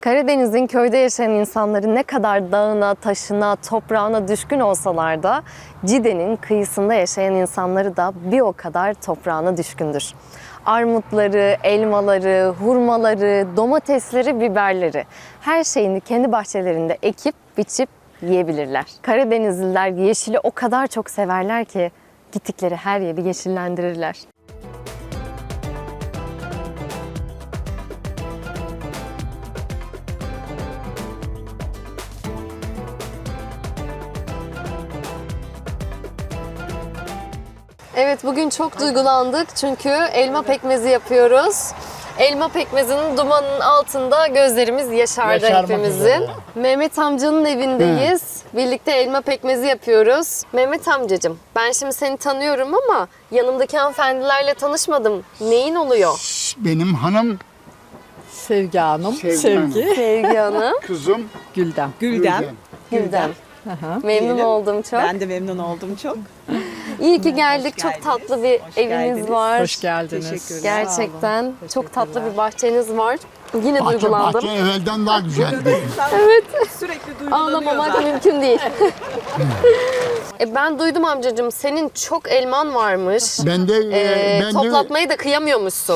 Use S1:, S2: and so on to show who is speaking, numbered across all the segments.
S1: Karadeniz'in köyde yaşayan insanları ne kadar dağına, taşına, toprağına düşkün olsalar da Cide'nin kıyısında yaşayan insanları da bir o kadar toprağına düşkündür. Armutları, elmaları, hurmaları, domatesleri, biberleri her şeyini kendi bahçelerinde ekip biçip yiyebilirler. Karadenizliler yeşili o kadar çok severler ki gittikleri her yeri yeşillendirirler. Evet, bugün çok duygulandık çünkü elma pekmezi yapıyoruz. Elma pekmezinin dumanının altında gözlerimiz yaşardı hepimizin. Mehmet amcanın evindeyiz. Birlikte elma pekmezi yapıyoruz. Mehmet amcacığım, ben şimdi seni tanıyorum ama yanımdaki hanımefendilerle tanışmadım. Neyin oluyor?
S2: Benim hanım
S3: Sevgi Hanım.
S2: Sevgi.
S1: Sevgi Hanım.
S2: Kızım
S3: Gülden.
S2: Gülden.
S1: Gülden.
S3: Aha.
S1: Memnun oldum çok.
S4: Ben de memnun oldum çok.
S1: İyi ki geldik.
S4: Hoş
S1: Çok
S4: geldiniz.
S1: tatlı bir
S4: Hoş
S1: eviniz
S4: geldiniz.
S1: var.
S3: Hoş geldiniz.
S4: Teşekkürler.
S1: Gerçekten çok tatlı bir bahçeniz var. Yine duygulandım.
S2: Bahçe evvelden daha güzeldi.
S4: Sürekli duygulanıyor
S1: Ağlamamak
S4: zaten.
S1: mümkün değil. Ben duydum amcacığım, senin çok elman varmış.
S2: Ben de
S1: Toplatmayı da kıyamıyormuşsun.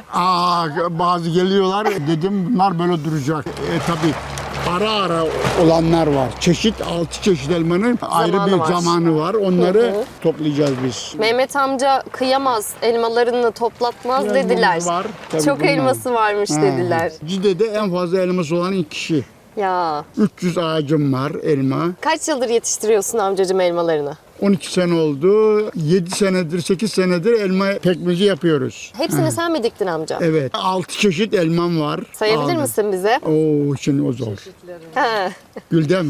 S2: bazı geliyorlar dedim bunlar böyle duracak. Tabii ara ara olanlar var. Çeşit 6 çeşit elmanın ayrı bir
S1: var.
S2: zamanı var. Onları toplayacağız biz.
S1: Mehmet amca kıyamaz, elmalarını toplatmaz
S2: Elmamız
S1: dediler.
S2: var, tabii
S1: Çok
S2: bunlar.
S1: elması varmış dediler.
S2: Cide'de en fazla elması olan ilk kişi.
S1: Ya,
S2: 300 ağacım var elma.
S1: kaç yıldır yetiştiriyorsun amcacığım elmalarını?
S2: 12 sene oldu. 7 senedir, 8 senedir elma pekmezi yapıyoruz.
S1: Hepsini sen mi diktin amca?
S2: Evet. 6 çeşit elmam var.
S1: Sayabilir
S2: Aldım.
S1: misin bize?
S2: Oo, şimdi o zor.
S1: He.
S2: Güldem.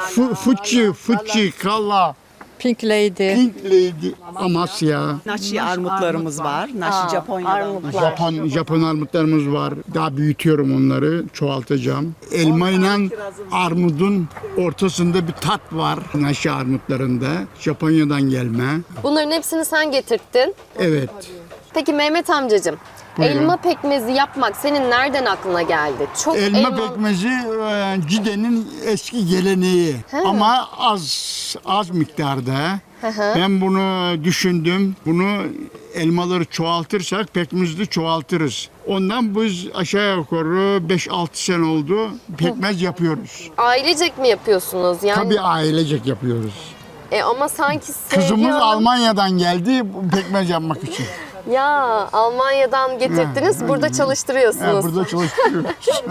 S2: Fuçi, Kalla,
S3: Pink Lady.
S2: Pink Lady, Amasya.
S4: Naşi armutlarımız var. Naşi Japonya'dan.
S1: Armutlar.
S2: Japon armutlarımız var. Daha büyütüyorum onları, çoğaltacağım. Elma ile armudun ortasında bir tat var. Naşi armutlarında. Japonya'dan gelme.
S1: Bunların hepsini sen getirttin.
S2: Evet.
S1: Peki Mehmet amcacığım,
S2: Buyurun.
S1: elma pekmezi yapmak senin nereden aklına geldi? Çok
S2: Elma pekmezi Cide'nin eski geleneği ama az miktarda. Ben bunu düşündüm. Bunu elmaları çoğaltırsak pekmezi de çoğaltırız. Ondan biz aşağı yukarı 5-6 sene oldu pekmez yapıyoruz.
S1: Ailecek mi yapıyorsunuz? Yani
S2: Tabii ailecek yapıyoruz.
S1: ama sanki Sevgi
S2: Kızımız
S1: Hanım-
S2: Almanya'dan geldi bu pekmez yapmak için.
S1: Ya Almanya'dan getirdiniz, burada çalıştırıyorsunuz.
S2: Burada çalışıyoruz.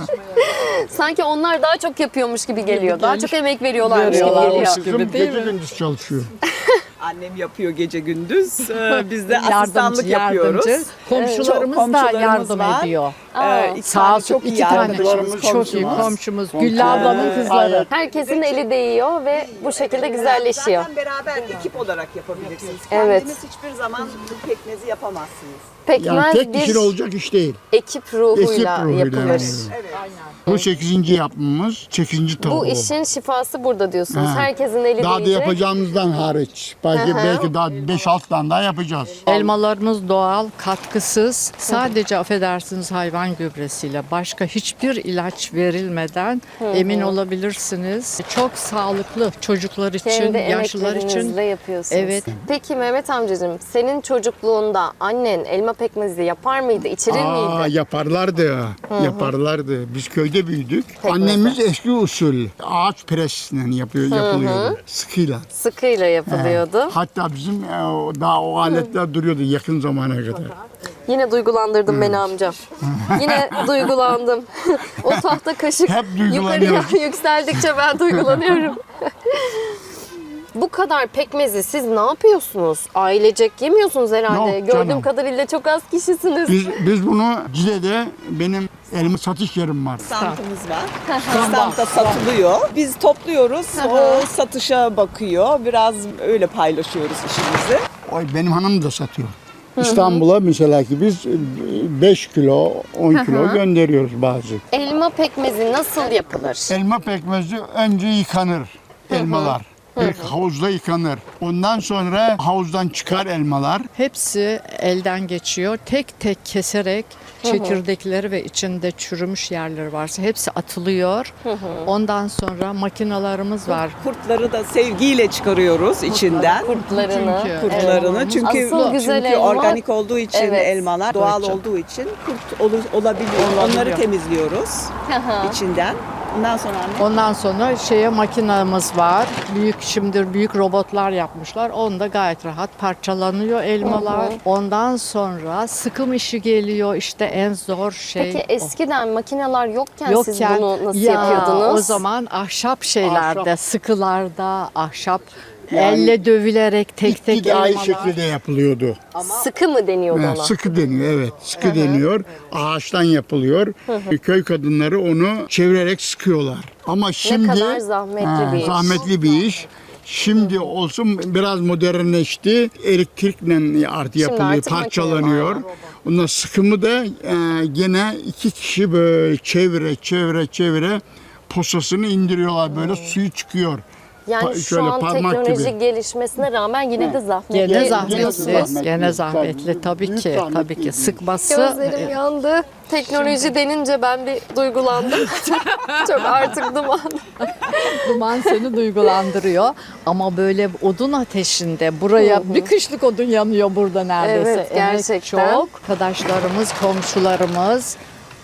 S1: Sanki onlar daha çok yapıyormuş gibi geliyor. Daha çok emek veriyorlarmış gibi
S3: Veriyorlarmış
S1: geliyor.
S3: gibi.
S2: Kızım
S3: değil
S2: gece
S3: mi?
S2: gündüz çalışıyor.
S4: Annem yapıyor gece gündüz. Biz de
S3: Yardımcı,
S4: asistanlık yapıyoruz.
S3: Komşularımız
S4: Çok
S3: da
S4: komşularımız
S3: yardım
S4: var.
S3: ediyor.
S4: İki
S3: Sağ
S4: tane
S3: olsun,
S4: çok iyi
S3: iki tane
S4: arkadaşımız,
S3: çok iyi
S4: komşumuz.
S3: komşumuz. Güllü ablanın kızları.
S1: Herkesin eli değiyor ve bu şekilde güzelleşiyor.
S4: Zaten beraber ekip olarak yapabilirsiniz.
S1: Evet.
S4: Kendiniz hiçbir zaman bu pekmezi yapamazsınız.
S2: Yani
S1: Pekmez
S2: tek
S1: bir
S2: kişi olacak iş değil.
S1: ekip ruhuyla
S2: Ekip ruhuyla
S1: yapılır.
S2: yani. Bu 8. yapımız, 8. tavuğu.
S1: Bu işin şifası burada diyorsunuz. Herkesin eli
S2: Daha da
S1: değecek.
S2: yapacağımızdan hariç. Belki daha 5-6 tane daha yapacağız.
S3: Elmalarımız doğal, katkısız. Sadece affedersiniz hayvan gübresiyle başka hiçbir ilaç verilmeden emin olabilirsiniz. Çok sağlıklı çocuklar için,
S1: Kendi
S3: yaşlılar için.
S1: emeklerinizle yapıyorsunuz.
S3: Evet.
S1: Peki Mehmet amcacığım, senin çocukluğunda annen elma pekmezi yapar mıydı, içirir miydi?
S2: Yaparlardı. Yaparlardı. Biz köyde büyüdük.
S1: Pekmezi.
S2: Annemiz eski usul ağaç presle yapılıyordu. Sıkıyla.
S1: Sıkıyla yapılıyordu.
S2: Hatta bizim daha o aletler duruyordu yakın zamana kadar.
S1: Yine duygulandırdın beni amcam. Yine duygulandım. O tahta kaşık
S2: Hep
S1: yukarıya
S2: duygulanıyoruz.
S1: yükseldikçe ben duygulanıyorum. Bu kadar pekmezi siz ne yapıyorsunuz? Ailecek yemiyorsunuz herhalde.
S2: Yok
S1: Gördüğüm
S2: canım.
S1: kadarıyla çok az kişisiniz.
S2: Biz bunu Cide'de benim elma satış yerim var.
S4: Standımız var. Standta satılıyor. Biz topluyoruz. O satışa bakıyor. Biraz öyle paylaşıyoruz işimizi.
S2: Oy, benim hanım da satıyor. İstanbul'a mesela ki biz 5 kilo, 10 kilo gönderiyoruz bazı.
S1: Elma pekmezi nasıl yapılır?
S2: Elma pekmezi önce yıkanır elmalar. İlk havuzda yıkanır. Ondan sonra havuzdan çıkar elmalar.
S3: Hepsi elden geçiyor. Tek tek keserek çekirdekleri ve içinde çürümüş yerleri varsa hepsi atılıyor. Ondan sonra makinalarımız var.
S4: Kurtları da sevgiyle çıkarıyoruz içinden.
S1: Kurtlarını.
S4: Kurtlarını çünkü
S1: Asıl güzel
S4: çünkü
S1: elma-
S4: organik olduğu için
S1: Evet.
S4: elmalar doğal
S3: Doğru.
S4: olduğu için kurt olabiliyor. Onları temizliyoruz içinden. Ondan sonra anne
S3: Ondan sonra makinamız var. Şimdi büyük robotlar yapmışlar. Onda gayet rahat parçalanıyor elmalar. Ondan sonra sıkım işi geliyor. İşte en zor şey.
S1: Peki
S3: o.
S1: eskiden makineler yokken siz
S3: Yokken
S1: bunu nasıl
S3: ya,
S1: yapıyordunuz?
S3: o zaman ahşap şeylerde,
S2: Ahşap.
S3: sıkılarda, ahşap
S2: Yani
S3: elle dövülerek tek tek
S2: İptidai
S3: elmalar.
S2: şekilde yapılıyordu.
S1: Sıkı mı deniyordu ona?
S2: Sıkı deniyor, evet. Sıkı deniyor. Ağaçtan yapılıyor. Köy kadınları onu çevirerek sıkıyorlar. Ama şimdi
S1: kadar zahmetli bir iş.
S2: Zahmetli bir iş. Şimdi olsun biraz modernleşti. Elektrikle artık yapılıyor,
S1: artık
S2: parçalanıyor.
S1: makine var.
S2: Ondan sıkımı da gene iki kişi böyle çevire posasını indiriyorlar. Böyle suyu çıkıyor.
S1: Yani şu
S2: şöyle
S1: an
S2: parmak
S1: teknoloji
S2: gibi.
S1: gelişmesine rağmen yine de zahmetli.
S3: Gene
S1: diyorsunuz.
S3: zahmetli, gene zahmetli
S2: Büyük
S3: tabii ki,
S2: zahmetli
S3: tabii ki
S2: değil.
S3: sıkması.
S1: Gözlerim yandı. Teknoloji denince ben bir duygulandım. Çok artık duman.
S3: Duman seni duygulandırıyor. Ama böyle odun ateşinde buraya bir kışlık odun yanıyor burada neredeyse.
S1: Evet,
S3: Emek
S1: gerçekten.
S3: çok. Arkadaşlarımız, komşularımız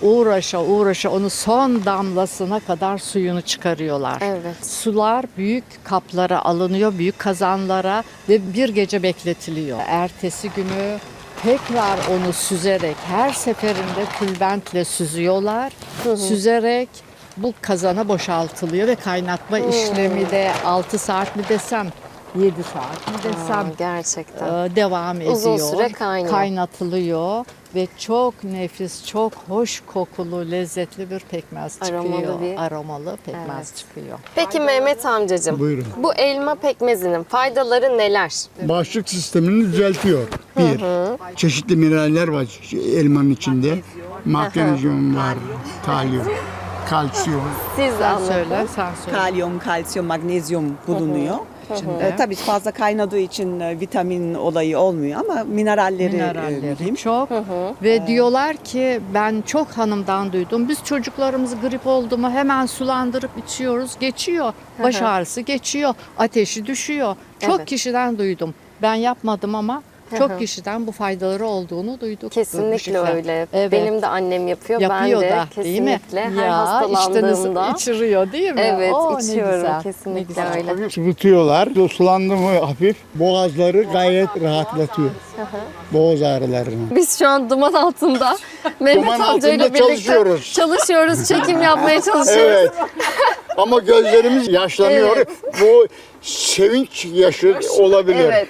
S3: uğraşa onu son damlasına kadar suyunu çıkarıyorlar.
S1: Evet.
S3: Sular büyük kaplara alınıyor, büyük kazanlara ve bir gece bekletiliyor. Ertesi günü tekrar onu süzerek, her seferinde tülbentle süzüyorlar. Süzerek bu kazana boşaltılıyor ve kaynatma işlemi de 6 saat mi desem, 7 saat mi desem
S1: Gerçekten.
S3: devam ediyor.
S1: Uzun süre kaynıyor.
S3: Kaynatılıyor ve çok nefis, çok hoş kokulu, lezzetli bir pekmez
S1: Aromalı
S3: çıkıyor.
S1: bir-
S3: Aromalı pekmez
S1: Evet.
S3: çıkıyor.
S1: Peki Mehmet amcacığım,
S2: Buyurun.
S1: bu elma pekmezinin faydaları neler?
S2: Bağışıklık sistemini düzeltiyor. Bir, çeşitli mineraller var elmanın içinde. Magnezyum var, talyum, kalsiyum.
S1: Siz
S3: Sen
S1: anlatın.
S3: söyle, sen söyle.
S4: kalyum, kalsiyum, magnezyum bulunuyor. Tabii fazla kaynadığı için vitamin olayı olmuyor ama mineralleri mühim.
S3: çok ve diyorlar ki ben çok hanımdan duydum. Biz çocuklarımız grip oldu mu hemen sulandırıp içiyoruz. Geçiyor. Baş ağrısı geçiyor. Ateşi düşüyor. Çok
S1: Evet.
S3: kişiden duydum. Ben yapmadım ama çok kişiden bu faydaları olduğunu duyduk.
S1: Kesinlikle
S3: Şifa.
S1: öyle.
S3: Evet.
S1: Benim de annem yapıyor.
S3: Yapıyor
S1: ben de
S3: da değil mi?
S1: kesinlikle her
S3: Ya,
S1: hastalandığımda.
S3: içiriyor değil mi?
S1: Evet,
S3: Oo, ne
S1: içiyorum.
S3: güzel, ne
S1: Kesinlikle
S3: güzel.
S1: öyle.
S2: Sıvıtıyorlar. Sulandı mı hafif boğazları gayet rahatlatıyor. Boğaz ağrılarını.
S1: Biz şu an duman altında Mehmet
S2: Duman
S1: amcayla
S2: altında
S1: birlikte
S2: çalışıyoruz.
S1: çekim yapmaya çalışıyoruz.
S2: Evet. Ama gözlerimiz yaşlanıyor.
S1: Evet.
S2: Bu sevinç yaşı olabilir.
S1: Evet.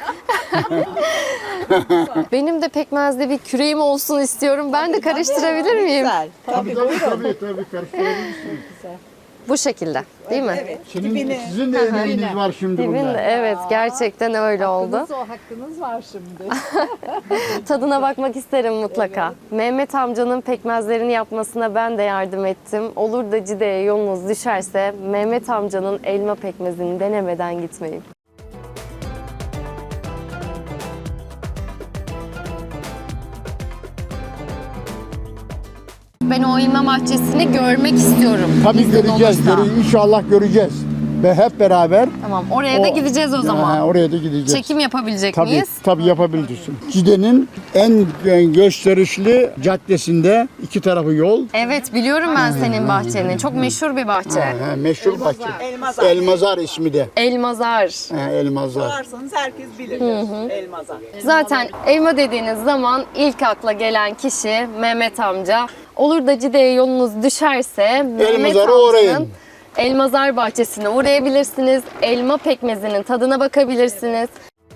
S1: Benim de pekmezde bir küreğim olsun istiyorum. Ben de karıştırabilir miyim?
S4: Güzel. Tabii.
S2: Tabii karıştırabilirsiniz.
S1: Bu şekilde, değil mi?
S4: Evet.
S2: Sizin de emeğiniz var şimdi
S1: Dibinde,
S2: bunda.
S1: evet, gerçekten öyle oldu.
S3: O hakkınız var şimdi.
S1: Tadına bakmak isterim mutlaka. Mehmet amcanın pekmezlerini yapmasına ben de yardım ettim. Olur da Cide'ye yolunuz düşerse Mehmet amcanın elma pekmezini denemeden gitmeyin. Ben o elma bahçesini görmek istiyorum.
S2: Tabii
S1: İzin
S2: göreceğiz.
S1: olursa.
S2: İnşallah göreceğiz. Ve hep beraber
S1: Tamam, oraya da gideceğiz o zaman.
S2: oraya da gideceğiz.
S1: Çekim yapabilecek
S2: Tabii,
S1: miyiz?
S2: tabii yapabilirsin. Cide'nin en gösterişli caddesinde iki tarafı yol.
S1: Evet, biliyorum ben senin bahçeni. Çok meşhur bir bahçe.
S2: Meşhur bahçe.
S4: Elmazar.
S2: Elmazar ismi de.
S1: Elmazar.
S2: Elmazar.
S4: Sorarsanız herkes bilir. Elmazar.
S1: Zaten elma dediğiniz zaman ilk akla gelen kişi Mehmet amca. Olur da Cide'ye yolunuz düşerse Mehmet
S2: Elmazar'a
S1: amcanın
S2: uğrayın.
S1: Elmazar bahçesine uğrayabilirsiniz. Elma pekmezinin tadına bakabilirsiniz.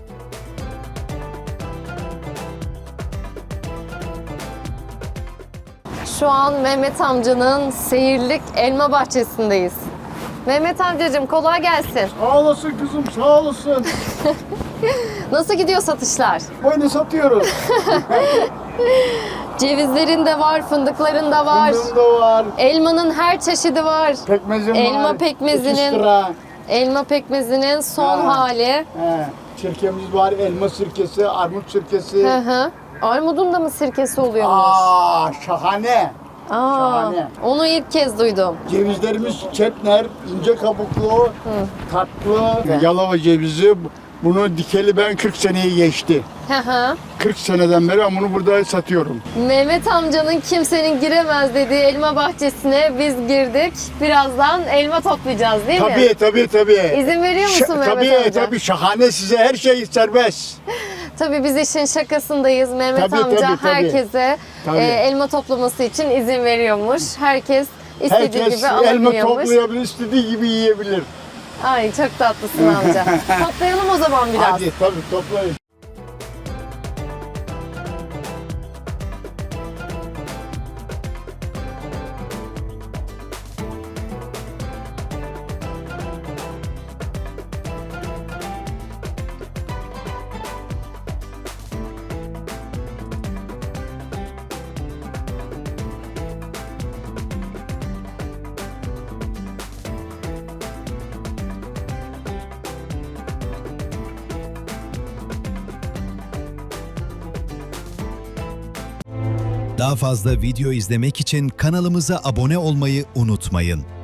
S1: Şu an Mehmet amcanın seyirlik elma bahçesindeyiz. Mehmet amcacığım kolay gelsin.
S2: Sağ olasın kızım, sağ olasın.
S1: Nasıl gidiyor satışlar?
S2: Oyunu satıyoruz.
S1: Cevizlerin de var, fındıkların da var.
S2: Fındığım da var.
S1: Elmanın her çeşidi var.
S2: Pekmezim var.
S1: Elma pekmezinin-
S2: Ekstra.
S1: Elma pekmezinin son
S2: Ha.
S1: hali.
S2: He, sirkemiz var, elma sirkesi, armut sirkesi.
S1: Hı hı. Armudun da mı sirkesi oluyormuş?
S2: Şahane. şahane.
S1: Onu ilk kez duydum.
S2: Cevizlerimiz çetner, ince kabuklu, tatlı. Yalova cevizi. Bunu dikeli ben 40 seneyi geçti.
S1: Hı hı.
S2: 40 seneden beri ben bunu burada satıyorum.
S1: Mehmet amcanın kimsenin giremez dediği elma bahçesine biz girdik. Birazdan elma toplayacağız değil mi?
S2: Tabii.
S1: İzin veriyor musun Mehmet
S2: tabii,
S1: amca?
S2: Tabii, şahane, size her şey serbest.
S1: Tabii biz işin şakasındayız. Mehmet
S2: Tabii,
S1: amca
S2: tabii.
S1: herkese
S2: Tabii.
S1: elma toplaması için izin veriyormuş. Herkes istediği
S2: Herkes
S1: gibi
S2: elma
S1: alabiliyormuş.
S2: toplayabilir, istediği gibi yiyebilir.
S1: Ay çok tatlısın amca. Toplayalım o zaman biraz.
S2: Hadi tabii toplayın.
S5: Daha fazla video izlemek için kanalımıza abone olmayı unutmayın.